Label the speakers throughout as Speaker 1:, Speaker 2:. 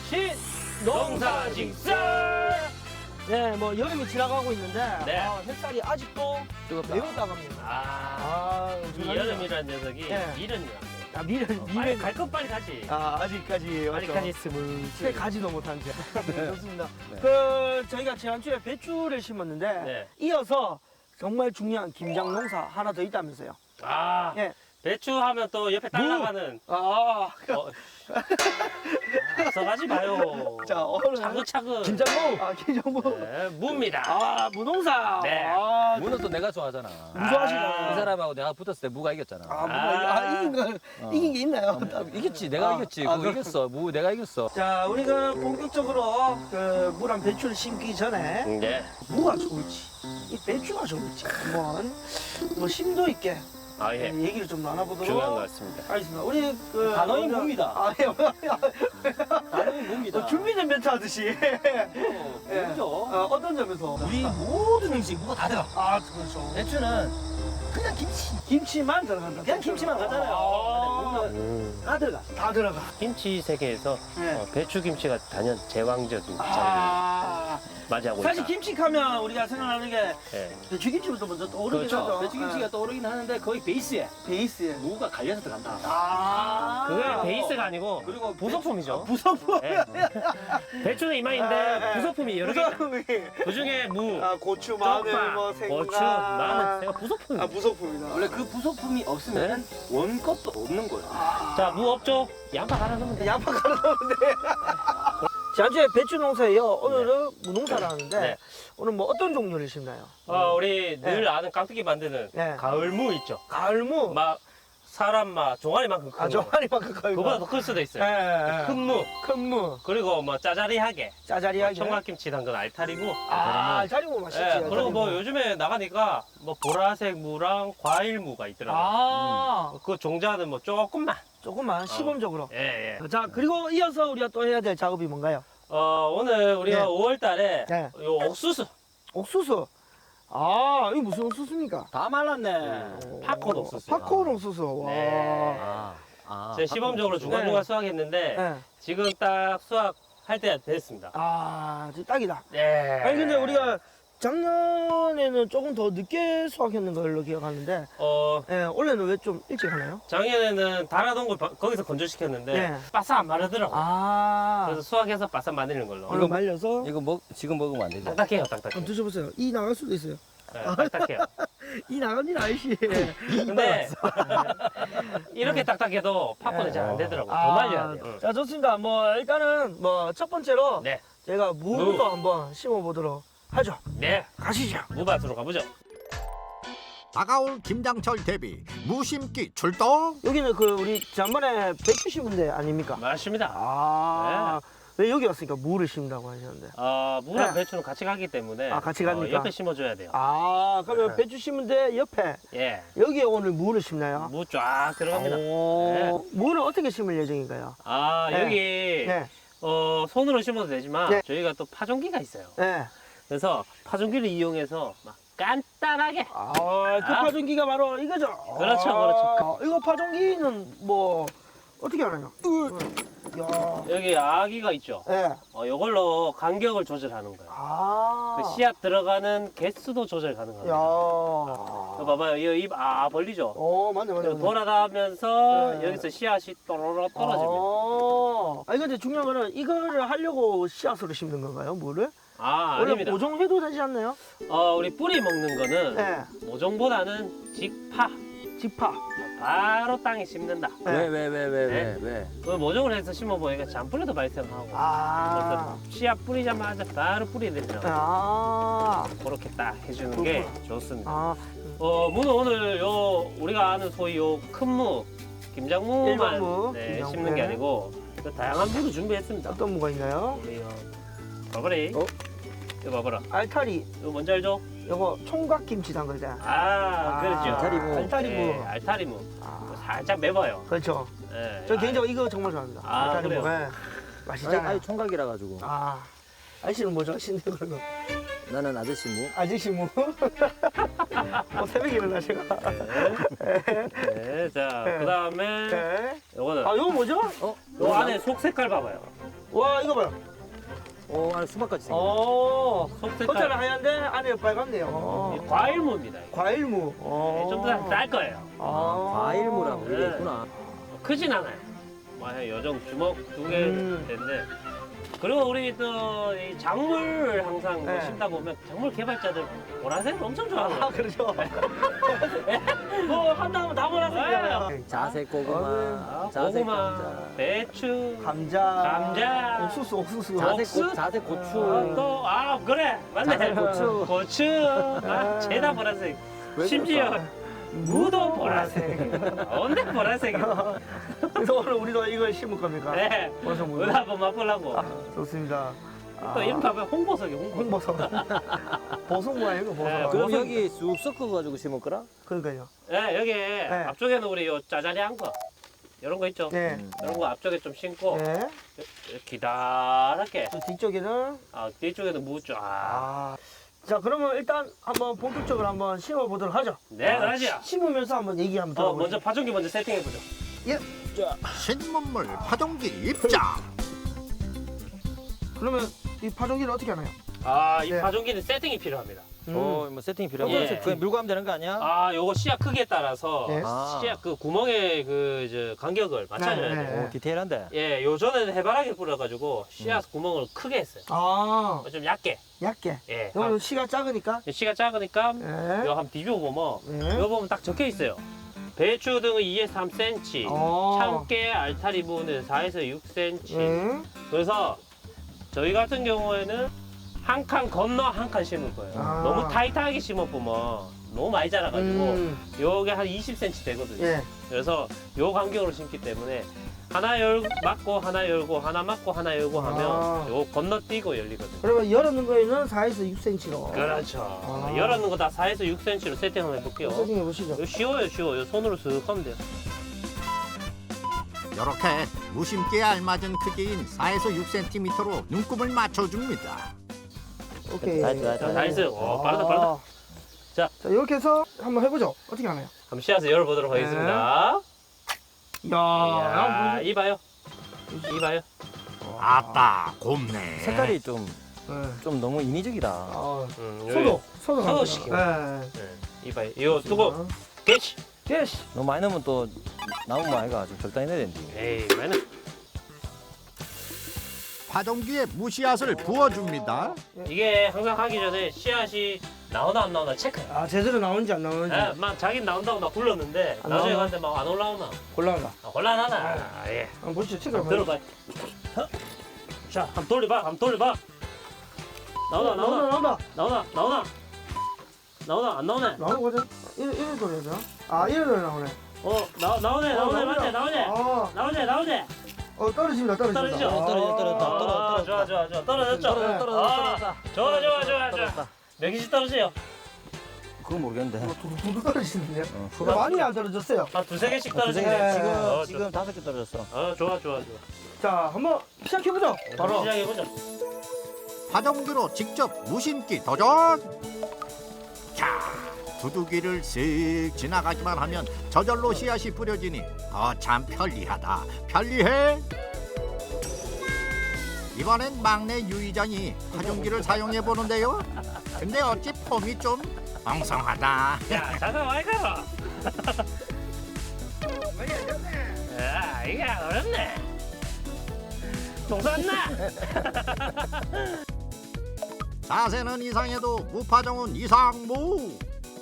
Speaker 1: 농사직설.
Speaker 2: 네, 뭐 여름이 지나가고 있는데
Speaker 1: 네.
Speaker 2: 햇살이 아직도
Speaker 3: 뜨겁다.
Speaker 2: 매우 따갑니다.
Speaker 1: 이 여름이라는 녀석이
Speaker 2: 네.
Speaker 1: 미련이랍니다.
Speaker 2: 미련.
Speaker 1: 빨리 갈 것 빨리 가지.
Speaker 2: 아직까지
Speaker 1: 빨리까지 스물.
Speaker 2: 채 가지도 못한 채. 네, 좋습니다.
Speaker 3: 네.
Speaker 2: 저희가 지난주에 배추를 심었는데
Speaker 1: 네.
Speaker 2: 이어서 정말 중요한 김장 농사 하나 더 있다면서요. 예.
Speaker 1: 배추 하면 또 옆에 딸 나가는. 앞서가지 마요.
Speaker 2: 자, 오늘
Speaker 1: 차근차근.
Speaker 2: 김장무. 김장무.
Speaker 1: 네, 무입니다.
Speaker 2: 무농사.
Speaker 1: 네.
Speaker 3: 무는 또 내가 좋아하잖아.
Speaker 2: 무좋아하시잖아요.
Speaker 3: 이 사람하고 내가 붙었을 때 무가 이겼잖아.
Speaker 2: 이긴 게 있나요?
Speaker 3: 이겼지. 내가 이겼지. 그거 이겼어. 무 내가 이겼어.
Speaker 2: 자, 우리가 본격적으로 무랑 배추를 심기 전에
Speaker 1: 네.
Speaker 2: 무가 좋을지, 이 배추가 좋을지 한번 뭐 심도 있게
Speaker 1: 예.
Speaker 2: 얘기를 좀 나눠보도록
Speaker 1: 중요한 것 같습니다.
Speaker 2: 하겠습니다. 우리
Speaker 3: 단어인
Speaker 2: 먼저-
Speaker 3: 무입니다.
Speaker 2: 예.
Speaker 3: 나는 무입니다.
Speaker 2: 준비된 멘트 하듯이. 예.
Speaker 3: 무죠.
Speaker 2: 어떤 점에서?
Speaker 3: 우리 모든 음식 무가 다 들어.
Speaker 2: 그렇죠.
Speaker 3: 배추는 그냥 김치.
Speaker 2: 김치만 들어간다.
Speaker 3: 그냥 김치만 가잖아요. 근데 무는 다 들어가.
Speaker 2: 다 들어가.
Speaker 1: 김치 세계에서
Speaker 2: 네.
Speaker 1: 배추 김치가 단연 제왕적인 자리를 맞이하고
Speaker 2: 사실
Speaker 1: 있다.
Speaker 2: 김치하면 우리가 생각나는 게
Speaker 1: 예.
Speaker 2: 배추김치부터 먼저 떠오르긴
Speaker 3: 그렇죠.
Speaker 2: 하죠.
Speaker 3: 배추김치가 떠오르긴 하는데 거의 베이스에
Speaker 2: 베이스에.
Speaker 3: 무가 갈려서 들어간다.
Speaker 1: 그게 베이스가 아니고
Speaker 3: 그리고
Speaker 1: 부속품이죠.
Speaker 2: 부속품.
Speaker 1: 예. 배추는 이만인데
Speaker 2: 예.
Speaker 1: 부속품이 여러 개. 있다.
Speaker 2: 부속품이.
Speaker 1: 그 중에 무,
Speaker 2: 고추, 마늘,
Speaker 1: 쪽파,
Speaker 2: 뭐 생강.
Speaker 1: 고추, 마늘, 제가 부속품입니다.
Speaker 2: 부속품이다.
Speaker 3: 원래 그 부속품이 없으면 원것도 없는 거예요.
Speaker 1: 자, 무 없죠? 양파 갈아 넣으면 돼.
Speaker 2: 양파 갈아 넣으면 돼. 지난주에 배추 농사예요. 오늘은 무농사를 하는데
Speaker 1: 네.
Speaker 2: 오늘 뭐 어떤 종류를 심나요?
Speaker 1: 우리 늘 아는 깡패기 만드는
Speaker 2: 네.
Speaker 1: 가을 무 있죠?
Speaker 2: 가을무.
Speaker 1: 막 사람 막 종아리만큼 큰 거.
Speaker 2: 종아리만큼 커요.
Speaker 1: 그거보다 더 클 수도 있어요. 큰 무.
Speaker 2: 큰 무.
Speaker 1: 그리고 뭐 짜자리하게.
Speaker 2: 짜자리하게.
Speaker 1: 청각김치 담근 알타리무.
Speaker 2: 알타리무 맛있지.
Speaker 1: 예, 그리고 뭐
Speaker 2: 알타리무.
Speaker 1: 요즘에 나가니까 뭐 보라색 무랑 과일 무가 있더라고요. 그 종자는 뭐 조금만.
Speaker 2: 조금만 시범적으로.
Speaker 1: 예, 예.
Speaker 2: 자, 그리고 이어서 우리가 또 해야 될 작업이 뭔가요?
Speaker 1: 오늘 우리가
Speaker 2: 네.
Speaker 1: 5월 달에
Speaker 2: 네.
Speaker 1: 요 옥수수.
Speaker 2: 옥수수. 이거 무슨 옥수수입니까?
Speaker 3: 다 말랐네.
Speaker 1: 팝콘 옥수수.
Speaker 2: 팝콘 옥수수. 와.
Speaker 1: 네. 제가 시범적으로 중간중간
Speaker 2: 네.
Speaker 1: 수확했는데
Speaker 2: 네.
Speaker 1: 지금 딱 수확할 때가 됐습니다.
Speaker 2: 진짜 딱이다.
Speaker 1: 네.
Speaker 2: 아니 근데 우리가 작년에는 조금 더 늦게 수확했는 걸로 기억하는데 올해는 왜 좀 일찍 하나요?
Speaker 1: 작년에는 달아놓은 걸 거기서 건조시켰는데
Speaker 2: 네.
Speaker 1: 바싹 안 마르더라고요. 그래서 수확해서 바싹 마르는 걸로.
Speaker 2: 얼른 말려서
Speaker 3: 이거 지금 먹으면 안 되죠?
Speaker 1: 딱딱해요, 딱딱해.
Speaker 2: 한번 드셔보세요. 이 나갈 수도 있어요.
Speaker 1: 네, 딱딱해요.
Speaker 2: 이 나간 일 아이씨.
Speaker 1: 근데 이렇게 딱딱해도 팝콘은 잘 안 되더라고요. 더 말려야 돼요.
Speaker 2: 자, 좋습니다. 뭐 일단은 뭐 첫 번째로
Speaker 1: 네,
Speaker 2: 제가 무부터 한번 심어보도록 하죠.
Speaker 1: 네,
Speaker 2: 가시죠.
Speaker 1: 무밭으로 가보죠.
Speaker 4: 다가올 김장철 대비 무심기 출동.
Speaker 2: 여기는 우리 지난번에 배추 심은 데 아닙니까?
Speaker 1: 맞습니다.
Speaker 2: 왜 여기 왔으니까 무를 심는다고 하셨는데?
Speaker 1: 무랑
Speaker 2: 네.
Speaker 1: 배추는 같이 가기 때문에
Speaker 2: 같이 갑니까?
Speaker 1: 옆에 심어줘야 돼요.
Speaker 2: 그러면
Speaker 1: 네.
Speaker 2: 배추 심은 데 옆에
Speaker 1: 예,
Speaker 2: 여기에 오늘 무를 심나요?
Speaker 1: 무 쫙 들어갑니다. 네.
Speaker 2: 무는 어떻게 심을 예정인가요? 네.
Speaker 1: 여기
Speaker 2: 네.
Speaker 1: 손으로 심어도 되지만
Speaker 2: 네.
Speaker 1: 저희가 또 파종기가 있어요.
Speaker 2: 네.
Speaker 1: 그래서 파종기를 이용해서 막 간단하게
Speaker 2: 파종기가 바로 이거죠?
Speaker 1: 그렇죠, 그렇죠.
Speaker 2: 이거 파종기는 뭐 어떻게 하나요? 야.
Speaker 1: 여기 아기가 있죠.
Speaker 2: 네.
Speaker 1: 이걸로 간격을 조절하는 거예요. 그 씨앗 들어가는 개수도 조절 가능합니다. 이거 봐봐요. 이 입 벌리죠.
Speaker 2: 맞네.
Speaker 1: 돌아가면서
Speaker 2: 네.
Speaker 1: 여기서 씨앗이 또로로 떨어집니다.
Speaker 2: 근데 중요한 거는 이거를 하려고 씨앗으로 심는 건가요, 무를? 원래
Speaker 1: 아닙니다.
Speaker 2: 모종해도 되지 않나요?
Speaker 1: 우리 뿌리 먹는 거는
Speaker 2: 네.
Speaker 1: 모종보다는 직파.
Speaker 2: 직파.
Speaker 1: 바로 땅에 심는다.
Speaker 2: 네.
Speaker 3: 왜?
Speaker 1: 그 모종을 해서 심어보니까 잔뿌리도 발생하고. 그래서 씨앗 뿌리자마자 바로 뿌리 내리죠. 그렇게 딱 해주는 게 좋습니다. 무는 오늘 우리가 아는 소위 큰 무, 김장무만
Speaker 2: 일반 무, 김장무.
Speaker 1: 심는 게 아니고 그 다양한 무도 준비했습니다.
Speaker 2: 어떤 무가 있나요?
Speaker 1: 우리 봐봐리. 이거 봐봐라.
Speaker 2: 알타리.
Speaker 1: 이거 뭔지 알죠?
Speaker 2: 이거 총각김치 담글 때.
Speaker 1: 그렇죠.
Speaker 3: 알타리무.
Speaker 2: 알타리무.
Speaker 1: 네, 알타리무. 살짝 매워요.
Speaker 2: 그렇죠.
Speaker 1: 네.
Speaker 2: 저 개인적으로 이거 정말 좋아합니다. 알타리무.
Speaker 1: 그래요?
Speaker 2: 네. 맛있잖아요.
Speaker 3: 아니 총각이라 가지고.
Speaker 2: 아저씨는 뭐 좋아하시는데 그러면?
Speaker 3: 나는 아저씨 무.
Speaker 2: 아저씨 무? 새벽에 일어나 제가.
Speaker 1: 네, 자, 그 다음에
Speaker 2: 네.
Speaker 1: 요거는
Speaker 2: 이거 뭐죠?
Speaker 1: 요 안에 속 색깔 봐봐요.
Speaker 2: 와 이거 봐요.
Speaker 5: 오, 안에 수박까지 생겼네.
Speaker 1: 속
Speaker 2: 겉에는
Speaker 1: 색깔
Speaker 2: 하얀데 안에 빨갛네요.
Speaker 1: 과일무입니다.
Speaker 2: 과일무.
Speaker 1: 좀 더 짤 거예요.
Speaker 5: 과일무라고 그게
Speaker 1: 네.
Speaker 5: 있구나.
Speaker 1: 크진 않아요. 뭐한 요정 주먹 2개 되는데. 그리고 우리 또 이 작물 항상 뭐
Speaker 2: 네.
Speaker 1: 심다 보면 작물 개발자들 보라색을 엄청 좋아하거든요.
Speaker 2: 아 그렇죠. 뭐 한다 하면 다 보라색이잖아요.
Speaker 5: 자색 고구마, 자색
Speaker 1: 고구마,
Speaker 5: 감자,
Speaker 1: 배추,
Speaker 2: 감자.
Speaker 1: 감자,
Speaker 2: 옥수수.
Speaker 5: 자색 고추.
Speaker 1: 그래 맞네.
Speaker 5: 자색 고추.
Speaker 1: 고추, 죄다 보라색. 심지어 무도 보라색. 언제 보라색이야?
Speaker 2: 그래서 오늘 우리도 이걸 심을 겁니까?
Speaker 1: 네.
Speaker 2: 보라색 무.
Speaker 1: 오늘 한번 맛보려고.
Speaker 2: 좋습니다.
Speaker 1: 또 이름 봐봐 홍보석이 홍보석.
Speaker 2: 홍보석. 보송무 아니고 보송.
Speaker 1: 네,
Speaker 5: 그럼 여기 쑥 섞어가지고 심을 거라?
Speaker 2: 그러니까요.
Speaker 1: 네 여기 앞쪽에는 우리 요 짜자리한 거 이런 거 있죠.
Speaker 2: 네.
Speaker 1: 이런 거 앞쪽에 좀 심고
Speaker 2: 네.
Speaker 1: 기다랗게.
Speaker 2: 또 뒤쪽에는
Speaker 1: 뒤쪽에는 무 쫙.
Speaker 2: 자 그러면 일단 한번 본격적으로 한번 심어 보도록 하죠.
Speaker 1: 네, 그러죠.
Speaker 2: 심으면서 한번 얘기 한번 들어보죠.
Speaker 1: 먼저 파종기 먼저 세팅해 보죠.
Speaker 2: 예.
Speaker 4: 신문물 파종기 입장.
Speaker 2: 그러면 이 파종기는 어떻게 하나요?
Speaker 1: 이
Speaker 2: 네.
Speaker 1: 파종기는 세팅이 필요합니다.
Speaker 5: 뭐 세팅이 필요하고
Speaker 1: 예.
Speaker 5: 그냥 밀고 하면 되는 거 아니야?
Speaker 1: 요거 씨앗 크기에 따라서
Speaker 2: 네.
Speaker 1: 씨앗 그 구멍의 그 이제 간격을 맞춰줘야
Speaker 2: 네,
Speaker 1: 돼요.
Speaker 2: 네.
Speaker 5: 오, 디테일한데.
Speaker 1: 예, 요전에는 해바라기 뿌려가지고 씨앗 구멍을 크게 했어요. 좀 얇게.
Speaker 2: 얇게.
Speaker 1: 예.
Speaker 2: 이거는 씨가 작으니까.
Speaker 1: 씨가 작으니까
Speaker 2: 네.
Speaker 1: 이거 한번 뒤집어 보면
Speaker 2: 네.
Speaker 1: 이거 보면 딱 적혀 있어요. 배추 등은 2에서 3cm, 참깨, 알타리 무는 4에서 6cm.
Speaker 2: 네.
Speaker 1: 그래서 저희 같은 경우에는 한 칸 건너 한 칸 심을 거예요. 너무 타이트하게 심어보면 너무 많이 자라가지고 요게 한 20cm 되거든요.
Speaker 2: 예.
Speaker 1: 그래서 요 간격으로 심기 때문에 하나 막고 하나 열고 하나 막고 하나 열고 하면 요 건너뛰고 열리거든요.
Speaker 2: 그러면 열어놓은 거에는 4에서 6cm로.
Speaker 1: 그렇죠. 열어놓은 거 다 4에서 6cm로 세팅 한번 해볼게요.
Speaker 2: 세팅해 보시죠.
Speaker 1: 이거 쉬워요, 쉬워요. 손으로 쓱 하면 돼요.
Speaker 4: 이렇게 무심기에 알맞은 크기인 4에서 6cm로 눈금을 맞춰줍니다.
Speaker 2: 오케이.
Speaker 5: 다
Speaker 1: 나이스. 빠르다.
Speaker 2: 자, 이렇게 해서 한번 해보죠. 어떻게 하나요?
Speaker 1: 그럼 씨앗을 열어보도록 하겠습니다.
Speaker 2: 이야,
Speaker 1: 이봐요. 이봐요.
Speaker 4: 아따 곱네.
Speaker 5: 색깔이 좀
Speaker 2: 네.
Speaker 5: 너무 인위적이다.
Speaker 2: 소도
Speaker 1: 소도 시키고.
Speaker 2: 네.
Speaker 1: 이봐요. 이거 두고 개시.
Speaker 2: 예시.
Speaker 5: 너무 많이 넣으면 또 나무 많이가 좀 적당히 넣어야 되는데.
Speaker 1: 에이, 많이.
Speaker 4: 파종기에 무씨앗을 부어줍니다.
Speaker 1: 이게 항상 하기 전에 씨앗이 나오나 안 나오나 체크해.
Speaker 2: 제대로 나오는지 안 나오는지.
Speaker 1: 예, 막 자기 나온다고 막 굴렀는데
Speaker 2: 안
Speaker 1: 나중에
Speaker 2: 나오나?
Speaker 1: 갔는데 막 안 올라오나?
Speaker 2: 곤란하다.
Speaker 1: 곤란하나? 예.
Speaker 2: 한번 보시죠. 체크를
Speaker 1: 한번
Speaker 2: 한번.
Speaker 1: 들어봐. 자, 한번 돌려봐. 한번 돌려봐. 나오나? 안 나오네?
Speaker 2: 나오는 거죠? 이래 돌려야 되나? 이래 나오네.
Speaker 1: 나오네. 맞네.
Speaker 2: 나오네.
Speaker 1: 나오네.
Speaker 2: 떨어집니다.
Speaker 1: 떨어지죠?
Speaker 5: 떨어져.
Speaker 1: 좋아. 떨어졌죠? 좋아. 몇 개씩 떨어져요?
Speaker 5: 그건 모르겠는데.
Speaker 2: 두두 떨어지는데요? 많이 안 떨어졌어요.
Speaker 1: 한 두세 개씩
Speaker 5: 두세 개.
Speaker 1: 떨어지네.
Speaker 5: 지금 5개 떨어졌어.
Speaker 1: 좋아.
Speaker 2: 자, 한번 시작해보죠.
Speaker 1: 바로 시작해보자.
Speaker 4: 파종기로 직접 무심기 도전. 자, 두둑이를 쓱 지나가기만 하면 저절로 씨앗이 뿌려지니 참 편리하다. 편리해. 이번엔 막내 유이장이 파종기를 사용해 보는데요. 근데 어찌 폼이 좀 엉성하다.
Speaker 1: 야, 잠깐 와이 가라. 야, 이게 어렵네. 동산나.
Speaker 4: 자세는 이상해도 무파종은 이상무.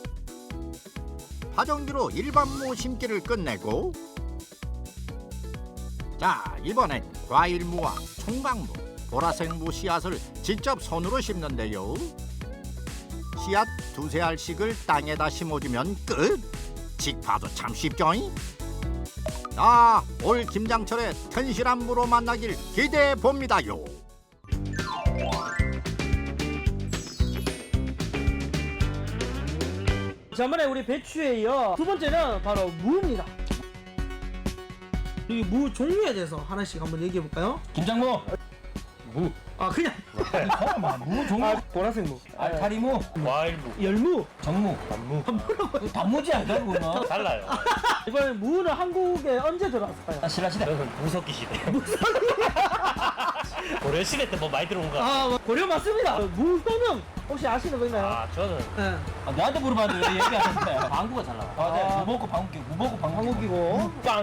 Speaker 4: 파종기로 일반 무 심기를 끝내고 자 이번엔 과일무와 총각무, 보라색무 씨앗을 직접 손으로 심는데요. 씨앗 2-3알씩을 땅에다 심어주면 끝. 직파도 참 쉽죠잉? 올 김장철에 튼실한 무로 만나길 기대해 봅니다요.
Speaker 2: 저번에 우리 배추에 이어 두 번째는 바로 무입니다. 이 무 종류에 대해서 하나씩 한번 얘기해 볼까요?
Speaker 5: 김장무, 무,
Speaker 2: 그냥
Speaker 5: 잠깐만, 무 종류,
Speaker 2: 보라색 무,
Speaker 5: 알타리무,
Speaker 1: 과일무.
Speaker 2: 열무.
Speaker 5: 정무, 단무지 아니야 그거는?
Speaker 1: 달라요.
Speaker 2: 이번에 무는 한국에 언제 들어왔을까요?
Speaker 5: 신라시대.
Speaker 1: 무섭기 시대. 고려시대 때 뭐 많이 들어온 거.
Speaker 2: 아, 고려 맞습니다. 무효능 혹시 아시는 거 있나요?
Speaker 1: 아, 저는
Speaker 2: 네.
Speaker 5: 나한테 물어봤는데 왜 얘기 안 했는데. 방구가 잘 나와. 네. 무먹고 방귀, 무먹고 방귀.
Speaker 2: 한국이고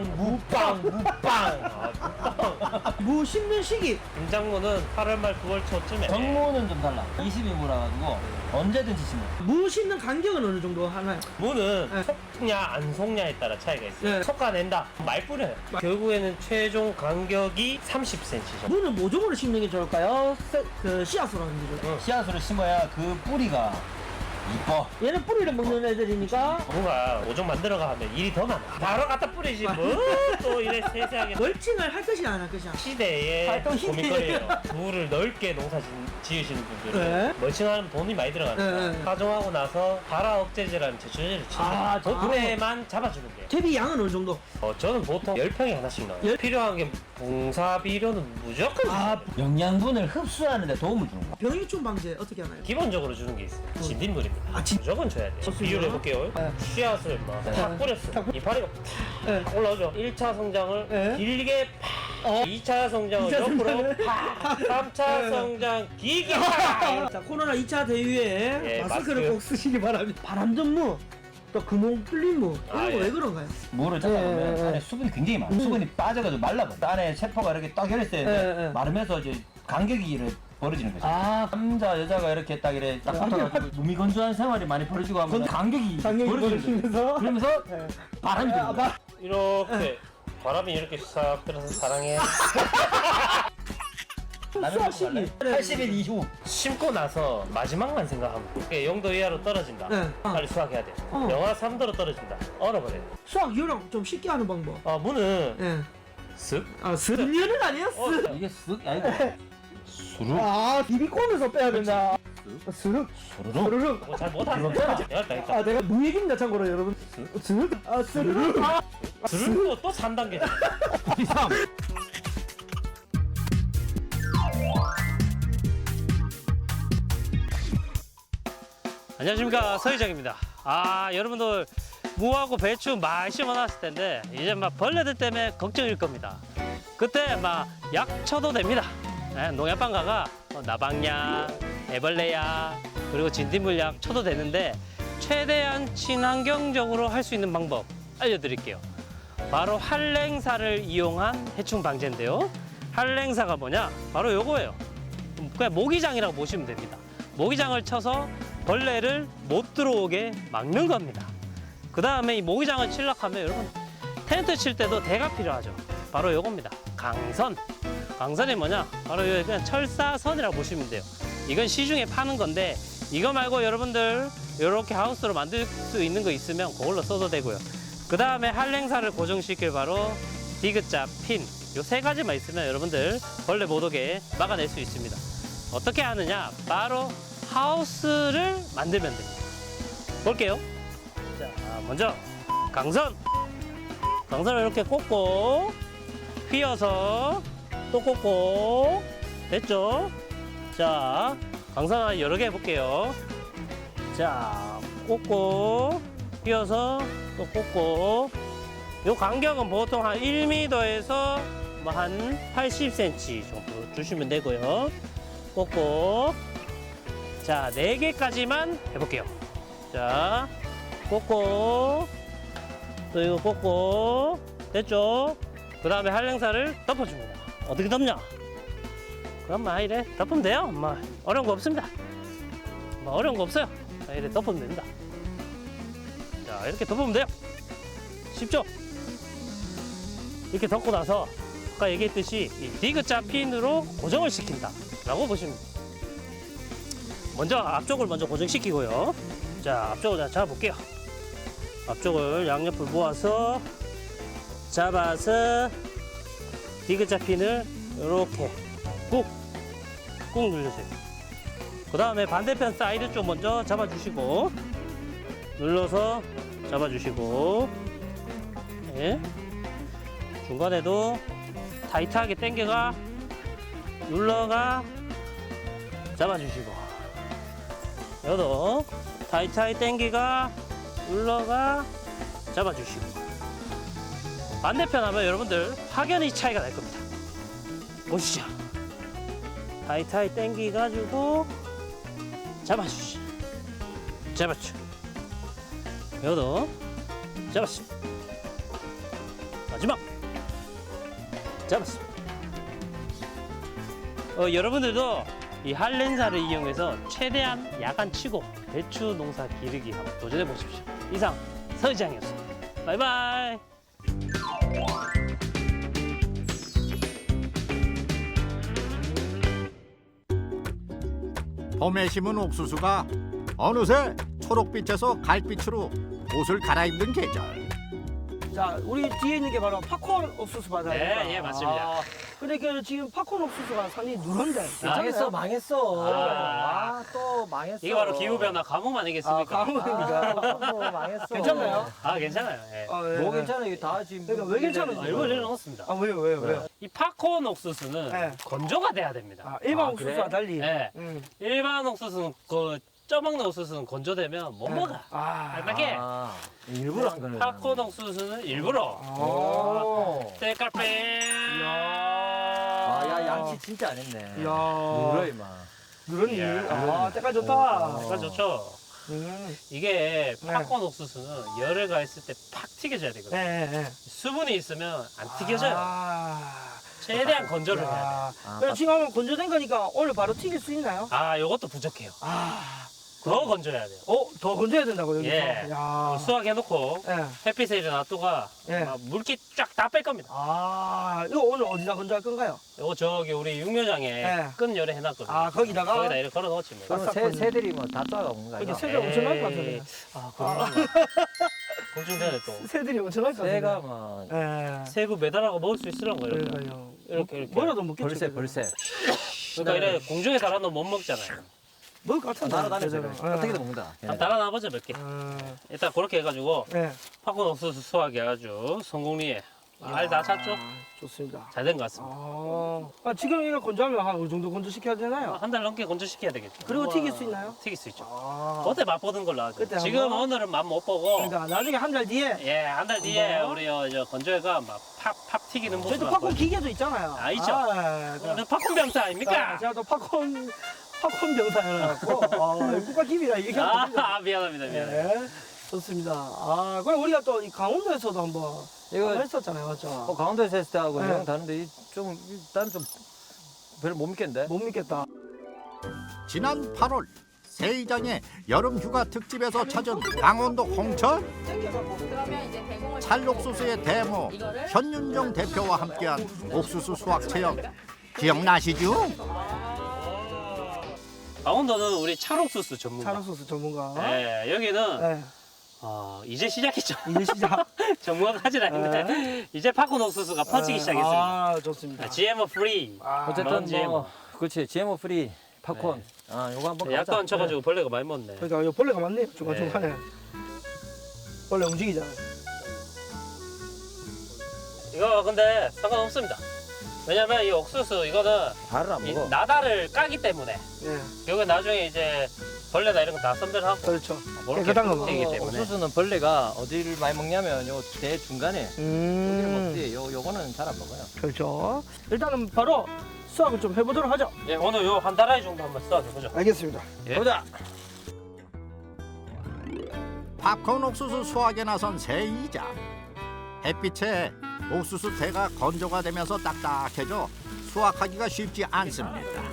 Speaker 1: 무빵.
Speaker 2: 무 심는 시기
Speaker 1: 김장무는 8월 말 9월 초쯤에.
Speaker 5: 정무는 좀 달라. 20인무라 가지고 언제든지 심어.
Speaker 2: 무 심는 간격은 어느 정도 하나요?
Speaker 1: 무는
Speaker 2: 네.
Speaker 1: 속냐 안 속냐에 따라 차이가 있어요.
Speaker 2: 네.
Speaker 1: 솎아낸다. 말 뿌려요. 결국에는 최종 간격이 30cm 정도.
Speaker 2: 무는 모종으로 심는 게 좋을까요? 그 씨앗으로 하는 게 좋을까요?
Speaker 5: 씨앗으로 심어야 그 뿌리가 이뻐.
Speaker 2: 얘는 뿌리를 먹는 애들이니까
Speaker 1: 뭔가 모종 만들어가 하면 일이 더 많아. 바로 갖다 뿌리지 뭐 또 이래 세세하게.
Speaker 2: 멀칭을 할 것이냐 안 할 것이냐.
Speaker 1: 시대의
Speaker 2: 활동 시대에.
Speaker 1: 고민거리예요. 무를 넓게 농사 지으시는 분들은
Speaker 2: 네.
Speaker 1: 멀칭하면 돈이 많이 들어가니까
Speaker 2: 네.
Speaker 1: 파종하고 나서 발화 억제제라는 제초제를 치는
Speaker 2: 아,
Speaker 1: 그때만 잡아주면 돼요.
Speaker 2: 대비 양은 어느 정도?
Speaker 1: 저는 보통 10평에 하나씩 넣어요. 필요한 게 봉사비료는 무조건
Speaker 2: 아,
Speaker 5: 영양분을 흡수하는 데 도움을 주는 거야.
Speaker 2: 병해충 방제 어떻게 하나요?
Speaker 1: 기본적으로 주는 게 있어요. 진딧물입니다.
Speaker 2: 아,
Speaker 1: 무조건 줘야 돼요.
Speaker 2: 좋습니다.
Speaker 1: 비유를 해볼게요.
Speaker 2: 네.
Speaker 1: 씨앗을 막 뿌렸어요. 이파리가
Speaker 2: 네.
Speaker 1: 탁 올라오죠. 1차 성장을
Speaker 2: 네.
Speaker 1: 길게 팍, 2차 성장을
Speaker 2: 이차
Speaker 1: 옆으로
Speaker 2: 성장을
Speaker 1: 팍, 3차
Speaker 2: 네.
Speaker 1: 성장 길게 팍.
Speaker 2: 자, 코로나 2차 대유에
Speaker 1: 예,
Speaker 2: 마스크를
Speaker 1: 마스크.
Speaker 2: 꼭 쓰시기 바랍니다. 바람전무, 또 구멍 뚫린 무 이런
Speaker 1: 아,
Speaker 2: 거
Speaker 1: 예.
Speaker 2: 왜 그런가요?
Speaker 5: 무를 잡아보면
Speaker 2: 네.
Speaker 5: 안에 수분이 굉장히 많아. 수분이 빠져가지고 말라버려. 안에 세포가 이렇게 딱 열렸을 때
Speaker 2: 네.
Speaker 5: 마르면서 이제 간격이 이렇게 벌어지는 거지.
Speaker 2: 아,
Speaker 5: 남자 여자가 이렇게 딱 이렇게 딱 붙어가지고 무미건조한 생활이 많이 벌어지고 하면 간격이 벌어지는 거지.
Speaker 2: 벌어지면서
Speaker 5: 그러면서
Speaker 2: 네.
Speaker 5: 바람이 드는 거야.
Speaker 1: 이렇게 바람이 이렇게 싹 들어서 사랑해.
Speaker 5: 나는
Speaker 2: 수학식이
Speaker 5: 80일 이후
Speaker 1: 심고 나서 마지막만 생각하면 돼. 0도 이하로 떨어진다.
Speaker 2: 네.
Speaker 1: 빨리 수확해야 돼. 영하 3도로 떨어진다. 얼어버려.
Speaker 2: 수학 요령 좀 쉽게 하는 방법.
Speaker 1: 무는
Speaker 2: 예.
Speaker 1: 쓱.
Speaker 2: 아, 스르면은 아니에요? 스.
Speaker 5: 이게 쓱 아니고 수룩
Speaker 2: 아, 비비콘에서 빼야 된다. 스륵,
Speaker 5: 수르륵
Speaker 2: 스르륵.
Speaker 1: 잘 못하네. 내가 했다.
Speaker 2: 아, 내가 무얘기입니다, 참고로 여러분. 스륵, 아, 스르륵. 아,
Speaker 1: 들은 또 3단계잖아. 안녕하십니까, 서희정입니다. 여러분들 무하고 배추 많이 심어놨을 텐데 이제 막 벌레들 때문에 걱정일 겁니다. 그때 막 약 쳐도 됩니다. 농약방 가가 나방약, 애벌레약, 그리고 진딧물약 쳐도 되는데 최대한 친환경적으로 할 수 있는 방법 알려드릴게요. 바로 한랭사를 이용한 해충 방제인데요. 한랭사가 뭐냐? 바로 요거예요. 그냥 모기장이라고 보시면 됩니다. 모기장을 쳐서 벌레를 못 들어오게 막는 겁니다. 그 다음에 이 모기장을 칠려고 하면 여러분 텐트 칠 때도 대가 필요하죠. 바로 요겁니다. 강선. 강선이 뭐냐? 바로 요 그냥 철사선이라고 보시면 돼요. 이건 시중에 파는 건데 이거 말고 여러분들 이렇게 하우스로 만들 수 있는 거 있으면 그걸로 써도 되고요. 그 다음에 한랭사를 고정시킬 바로 디귿자, 핀. 요 세 가지만 있으면 여러분들 벌레 못 오게 막아낼 수 있습니다. 어떻게 하느냐? 바로 하우스를 만들면 됩니다. 볼게요. 자, 먼저 강선. 강선을 이렇게 꽂고 휘어서 또 꽂고 됐죠? 자, 강선 여러 개 해볼게요. 자, 꽂고 휘어서 또 꽂고 요 간격은 보통 한 1m에서 뭐 한 80cm 정도 주시면 되고요. 꽂고 자, 4개까지만 해볼게요. 자, 꽂고 또 이거 꽂고 됐죠? 그 다음에 한랭사를 덮어줍니다. 어떻게 덮냐? 그럼 막 이래 덮으면 돼요. 뭐 어려운 거 없습니다. 뭐 어려운 거 없어요. 이래 덮으면 됩니다. 자, 이렇게 덮으면 돼요. 쉽죠? 이렇게 덮고 나서 아까 얘기했듯이 이 디귿자 핀으로 고정을 시킨다 라고 보시면 돼요. 먼저 앞쪽을 먼저 고정시키고요. 자, 앞쪽을 잡아볼게요. 앞쪽을 양옆을 모아서 잡아서 디귿자 핀을 이렇게 꾹 눌러주세요. 그 다음에 반대편 사이드 쪽 먼저 잡아주시고 눌러서 잡아주시고 네. 중간에도 타이트하게 당겨가 눌러가 잡아주시고 여도 타이트하게 당기가 눌러가 잡아주시고 반대편 하면 여러분들 확연히 차이가 날 겁니다. 보시죠. 타이트하게 당기가지고 잡아주시. 잡았죠. 여도 잡았어. 마지막 잡았어. 여러분들도 이 한렌사를 이용해서 최대한 야간 치고 배추 농사 기르기 한번 도전해 보십시오. 이상 서의장이었습니다. 바이바이.
Speaker 4: 봄에 심은 옥수수가 어느새 초록빛에서 갈빛으로 옷을 갈아입는 계절.
Speaker 2: 자, 우리 뒤에 있는 게 바로 팝콘 옥수수 바다예요.
Speaker 1: 네, 예, 맞습니다.
Speaker 2: 근데 그 지금 팝콘 옥수수가 상당히 누런데.
Speaker 5: 망했어, 망했어.
Speaker 1: 아,
Speaker 5: 또 망했어.
Speaker 1: 이게 바로 기후변화 가뭄 아니겠습니까?
Speaker 2: 가물입니까?
Speaker 5: 망했어.
Speaker 2: 괜찮나요?
Speaker 1: 괜찮아요. 예.
Speaker 2: 예.
Speaker 5: 뭐 괜찮아, 이거 다 지금.
Speaker 2: 그러니까 왜 괜찮은지.
Speaker 1: 일부러 내려놓습니다.
Speaker 2: 왜요?
Speaker 1: 이 팝콘 옥수수는
Speaker 2: 네.
Speaker 1: 건조가 돼야 됩니다.
Speaker 2: 일반
Speaker 5: 아,
Speaker 2: 옥수수와
Speaker 5: 그래?
Speaker 2: 달리.
Speaker 1: 네.
Speaker 2: 음.
Speaker 1: 일반 옥수수는 쪄먹는 옥수수는 건조되면 못 먹어. 알맞게.
Speaker 5: 일부러 한 거네.
Speaker 1: 팝콘 옥수수는 일부러
Speaker 5: 오.
Speaker 1: 때깔빼.
Speaker 5: 야, 양치 진짜 안 했네.
Speaker 2: 이야.
Speaker 5: 물어, 임마.
Speaker 2: 누런니?
Speaker 1: 이야.
Speaker 2: 때깔 좋다.
Speaker 1: 색깔 좋죠. 이게 팝콘 옥수수는 열을 가했을 때 팍 튀겨져야 되거든요.
Speaker 2: 네.
Speaker 1: 수분이 있으면 안 튀겨져요. 최대한 건조를 해야 돼요.
Speaker 2: 그럼 지금 하면 건조된 거니까 오늘 바로 튀길 수 있나요?
Speaker 1: 요것도 부족해요. 더 건조해야 돼요.
Speaker 2: 더 건조해야 된다고 여기서.
Speaker 1: 예.
Speaker 2: 야.
Speaker 1: 수확해놓고
Speaker 2: 예.
Speaker 1: 햇빛에 이제 놔두가
Speaker 2: 예.
Speaker 1: 물기 쫙 다 뺄 겁니다.
Speaker 2: 이거 오늘 어디다 건조할 건가요?
Speaker 1: 요거 저기 우리 육묘장에
Speaker 2: 예.
Speaker 1: 끈 열에 해놨거든요.
Speaker 2: 거기다가?
Speaker 1: 거기다 이렇게 걸어 넣었지 뭐.
Speaker 5: 그럼 새들이 뭐 다 쫓아오는 거야.
Speaker 2: 이게 새가 엄청 날 것 같은데.
Speaker 1: 그런가? 공중전에 또
Speaker 2: 새들이 엄청 날 것 같은데.
Speaker 5: 새가 뭐.
Speaker 2: 예.
Speaker 1: 새구 매달아고 먹을 수 있으란 거예요. 이렇게.
Speaker 2: 그러니까요.
Speaker 1: 이렇게.
Speaker 2: 뭐라도 먹겠죠.
Speaker 5: 벌새.
Speaker 1: 그러니까 이래 공중에 달아놓으면 못 먹잖아요.
Speaker 2: 먹을 것 같은데.
Speaker 5: 날아다니죠.
Speaker 2: 제대로.
Speaker 5: 어떻게든 먹는다.
Speaker 1: 한번 달아놔보자 몇 개. 일단 그렇게 해가지고
Speaker 2: 예.
Speaker 1: 팝콘 옥수수 수확이 아주 성공리에 알 다 찼죠?
Speaker 2: 좋습니다.
Speaker 1: 잘 된 것 같습니다.
Speaker 2: 지금 이거 건조하면 한 어느 정도 건조시켜야 되나요?
Speaker 1: 한 달 넘게 건조시켜야 되겠죠.
Speaker 2: 그리고 튀길 수 있나요?
Speaker 1: 튀길 수 있죠. 그때 맛보던 걸로 하죠.
Speaker 2: 그때
Speaker 1: 지금
Speaker 2: 한번?
Speaker 1: 오늘은 맛 못 보고
Speaker 2: 그러니까 나중에 한 달 뒤에
Speaker 1: 예, 한 달 뒤에
Speaker 2: 한번?
Speaker 1: 우리 저 건조회가 막 팍 튀기는 모습.
Speaker 2: 저희도 팝콘 기계도 있잖아요.
Speaker 1: 있죠.
Speaker 2: 그럼
Speaker 1: 팝콘 병사 아닙니까?
Speaker 2: 제가 또 팝콘 병사여갖고 국가 기밀이라 얘기하거든요.
Speaker 1: 미안합니다.
Speaker 2: 네, 좋습니다. 그럼 우리가 또 이 강원도에서도 한번
Speaker 5: 이거
Speaker 2: 했었잖아요, 맞죠?
Speaker 5: 강원도에서 했을 때하고
Speaker 2: 네.
Speaker 5: 이랑 다른데 난 좀 별로 못 믿겠는데.
Speaker 2: 못 믿겠다.
Speaker 4: 지난 8월 세이장의 여름 휴가 특집에서 찾은 강원도 홍천.
Speaker 6: 그러면 이제 대공을
Speaker 4: 찰옥수수의 대모 현윤정 대표와 함께한 옥수수 수확 체험 기억나시죠?
Speaker 1: 강원도는 우리 찰옥수수 전문가.
Speaker 2: 찰옥수수 전문가.
Speaker 1: 네, 여기는
Speaker 2: 네.
Speaker 1: 이제 시작했죠.
Speaker 2: 이제 시작.
Speaker 1: 전문가까지는 아닌데 이제 팝콘 옥수수가 퍼지기 시작했습니다.
Speaker 2: 좋습니다.
Speaker 1: GMO 프리.
Speaker 5: 어쨌든
Speaker 1: GMO.
Speaker 5: 뭐 그렇지 GMO 프리 팝콘. 요거 한번 가자.
Speaker 1: 약도 안 쳐가지고 벌레가 많이 먹네.
Speaker 2: 그러니까 이 벌레가 많네요. 중간중간에. 벌레 움직이잖아요.
Speaker 1: 이거 근데 상관없습니다. 왜냐면 이 옥수수 이거는
Speaker 5: 발을 안
Speaker 1: 이
Speaker 5: 먹어.
Speaker 1: 나다를 까기 때문에
Speaker 2: 네,
Speaker 1: 여기 나중에 이제 벌레나 이런 거 다 선별하고
Speaker 2: 그렇죠.
Speaker 1: 그렇게
Speaker 2: 깨끗한 거
Speaker 1: 되기
Speaker 5: 요
Speaker 1: 때문에
Speaker 5: 옥수수는 벌레가 어디를 많이 먹냐면 요 대 중간에 여기를 먹지. 요거는 잘 안 먹어요.
Speaker 2: 그렇죠. 일단은 바로 수확을 좀 해보도록 하죠.
Speaker 1: 예, 오늘 요 한 다라이 정도 한번 써보죠.
Speaker 2: 알겠습니다.
Speaker 1: 예.
Speaker 5: 보자.
Speaker 4: 팝콘 옥수수 수확에 나선 세이장. 햇빛에 옥수수 대가 건조가 되면서 딱딱해져 수확하기가 쉽지 않습니다.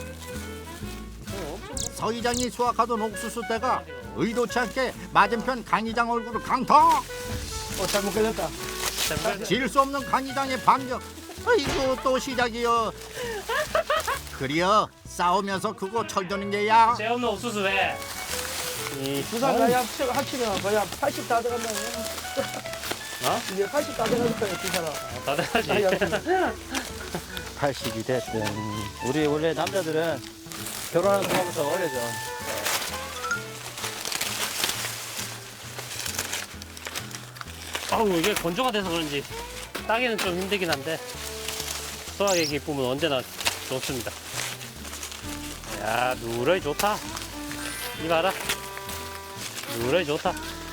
Speaker 4: 서이장이 수확하던 옥수수 대가 의도치 않게 맞은편 강이장 얼굴을 강타.
Speaker 2: 잘못 걸렸다.
Speaker 4: 질 수 없는 강이장의 반격. 아이고 또 시작이여. 그리여 싸우면서 그거 철드는 게야.
Speaker 1: 제 없는 옥수수 회. 이
Speaker 2: 부산 가야 합치면 거의 한 80 다 들어간다. 이게 80 다 들어간다, 부산아.
Speaker 1: 다 돼가지.
Speaker 5: 80이 됐든 우리 원래 남자들은 결혼하는 순간부터 어려져.
Speaker 1: 이게 건조가 돼서 그런지 따기는 좀 힘들긴 한데 수확의 기쁨은 언제나 좋습니다. 야, 누러이 좋다. 이 봐라. 누러이 좋다.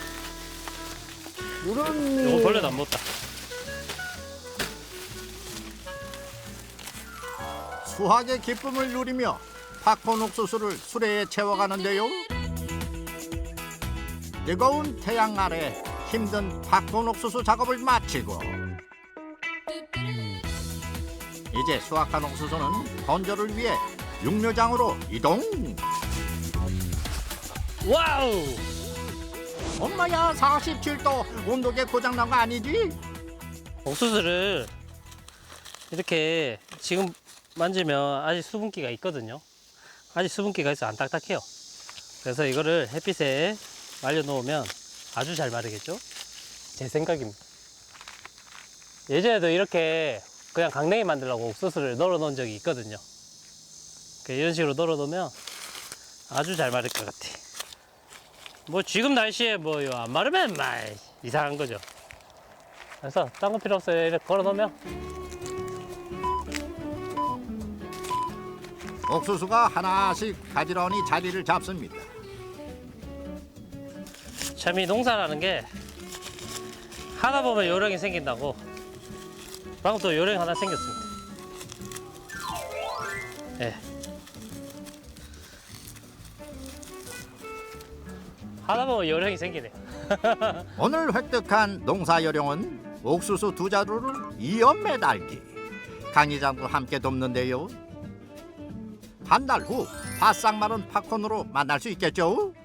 Speaker 2: 이런
Speaker 1: 이거 벌레도 안 먹다.
Speaker 4: 수확의 기쁨을 누리며 팝콘 옥수수를 수레에 채워가는데요. 뜨거운 태양 아래 힘든 팝콘 옥수수 작업을 마치고 이제 수확한 옥수수는 건조를 위해 육묘장으로 이동.
Speaker 1: 와우!
Speaker 4: 엄마야, 47도 온도계 고장난 거 아니지?
Speaker 1: 옥수수를 이렇게 지금 만지면 아직 수분기가 있거든요. 아직 수분기가 있어 안 딱딱해요. 그래서 이거를 햇빛에 말려 놓으면 아주 잘 마르겠죠? 제 생각입니다. 예전에도 이렇게 그냥 강냉이 만들려고 옥수수를 널어 놓은 적이 있거든요. 이런 식으로 널어 놓으면 아주 잘 마를 것 같아. 뭐 지금 날씨에 뭐 안 마르면 이상한 거죠. 그래서 딴 거 필요 없어요. 이렇게 걸어 놓으면.
Speaker 4: 옥수수가 하나씩 가지런히 자리를 잡습니다.
Speaker 1: 참 이 농사라는 게 하다 보면 요령이 생긴다고. 방금 또 요령 하나 생겼습니다. 예. 하다 보면 요령이 생기네.
Speaker 4: 오늘 획득한 농사 요령은 옥수수 2자루를 이어 매달기. 강의장도 함께 돕는데요. 한 달 후 바싹 마른 팝콘으로 만날 수 있겠죠?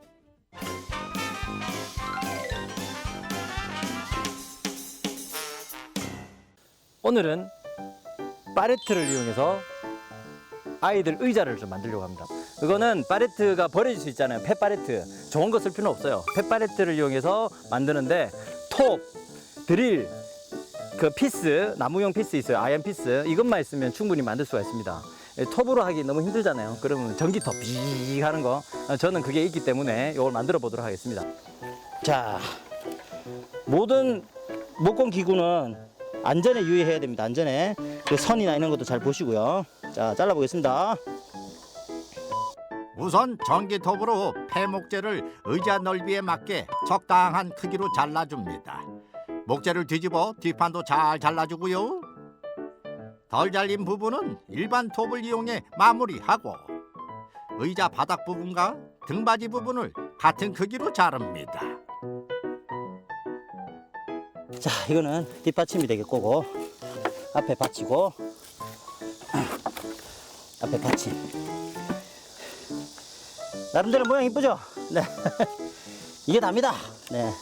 Speaker 5: 오늘은 파레트를 이용해서 아이들 의자를 좀 만들려고 합니다. 이거는 파레트가 버려질 수 있잖아요. 펫파레트. 좋은 거 쓸 필요는 없어요. 펫파레트를 이용해서 만드는데 톱, 드릴, 그 피스, 나무용 피스 있어요. 아이언 피스. 이것만 있으면 충분히 만들 수가 있습니다. 톱으로 하기 너무 힘들잖아요. 그러면 전기톱 삐 하는 거. 저는 그게 있기 때문에 이걸 만들어 보도록 하겠습니다. 자, 모든 목공 기구는 안전에 유의해야 됩니다. 안전에. 그 선이나 이런 것도 잘 보시고요. 자, 잘라보겠습니다.
Speaker 4: 우선 전기톱으로 폐목재를 의자 넓이에 맞게 적당한 크기로 잘라줍니다. 목재를 뒤집어 뒷판도 잘 잘라주고요. 덜 잘린 부분은 일반 톱을 이용해 마무리하고 의자 바닥 부분과 등받이 부분을 같은 크기로 자릅니다.
Speaker 5: 자, 이거는 뒷받침이 되겠고 앞에 받치고 앞에 받침. 나름대로 모양 이쁘죠? 네. 이게 답니다. 네.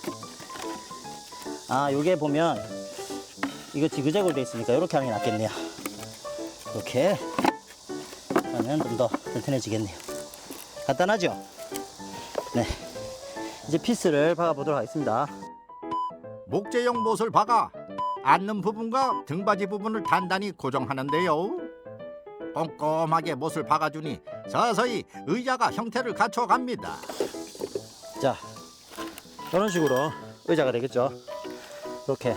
Speaker 5: 아, 요게 보면 이거 지그재그로 돼 있으니까 이렇게 하는 게 낫겠네요. 이렇게 하면 좀 더 튼튼해지겠네요. 간단하죠? 네. 이제 피스를 박아보도록 하겠습니다.
Speaker 4: 목재용 못을 박아 앉는 부분과 등받이 부분을 단단히 고정하는데요. 꼼꼼하게 못을 박아주니 서서히 의자가 형태를 갖춰갑니다.
Speaker 5: 자, 이런 식으로 의자가 되겠죠. 이렇게.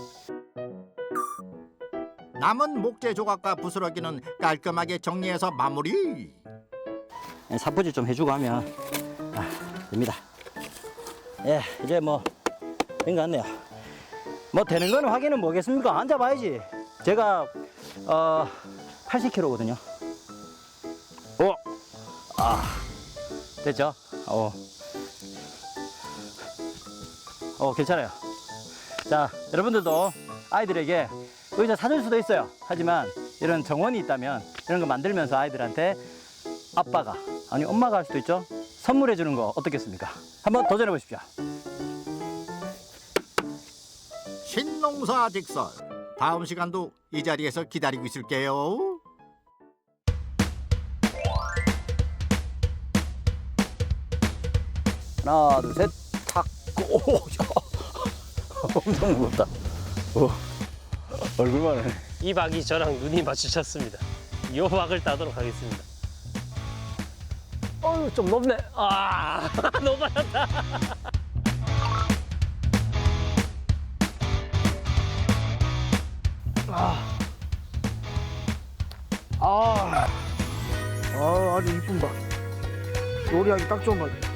Speaker 4: 남은 목재 조각과 부스러기는 깔끔하게 정리해서 마무리.
Speaker 5: 사포질 좀 해주고 하면 됩니다. 예, 이제 뭐 된 것 같네요. 뭐 되는 거는 확인은 뭐겠습니까? 앉아봐야지. 제가 80kg거든요. 오, 됐죠? 괜찮아요. 자, 여러분들도 아이들에게 의자 사줄 수도 있어요. 하지만 이런 정원이 있다면 이런 거 만들면서 아이들한테 아빠가 아니 엄마가 할 수도 있죠. 선물해 주는 거 어떻겠습니까? 한번 도전해 보십시오.
Speaker 4: 신농사 직설. 다음 시간도 이 자리에서 기다리고 있을게요.
Speaker 5: 하나, 둘, 셋, 탁. 오, 야. 엄청 무겁다. 얼굴만 해.
Speaker 1: 이 박이 저랑 눈이 마주쳤습니다. 이 박을 따도록 하겠습니다. 좀 높네. 너무 많았다.
Speaker 2: 아주 이쁜 박. 요리하기 딱 좋은 박.